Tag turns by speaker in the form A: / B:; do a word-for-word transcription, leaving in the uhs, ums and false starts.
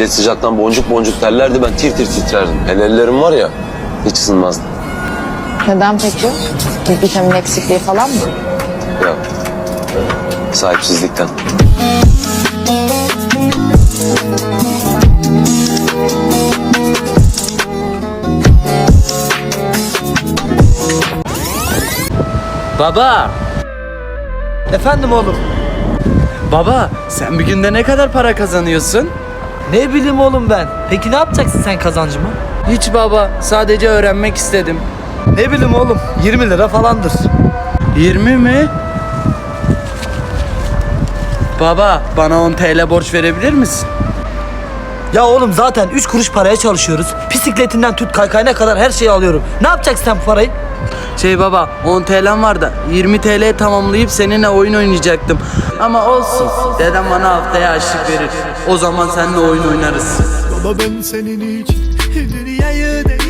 A: Millet sıcaktan boncuk boncuk terlerdi, ben tir tir titrerdim. El ellerim var ya, hiç ısınmazdı.
B: Neden peki? Bir vitamin eksikliği falan mı?
A: Ya, sahipsizlikten.
C: Baba,
D: Efendim oğlum.
C: baba sen bir günde ne kadar para kazanıyorsun?
D: Ne bileyim oğlum ben. Peki ne yapacaksın sen kazancımı?
C: Hiç baba, sadece öğrenmek istedim.
D: Ne bileyim oğlum. yirmi lira falandır.
C: yirmi mi? Baba, bana on TL borç verebilir misin?
D: Ya oğlum zaten üç kuruş paraya çalışıyoruz. Bisikletinden tut kaykayına kadar her şeyi alıyorum. Ne yapacaksın sen bu parayı?
C: Şey baba, on TL'm var da yirmi TL tamamlayıp seninle oyun oynayacaktım. Ama olsun, dedem bana haftaya harçlık verir. O zaman seninle oyun oynarız.
E: Baba ben senin için dünyayı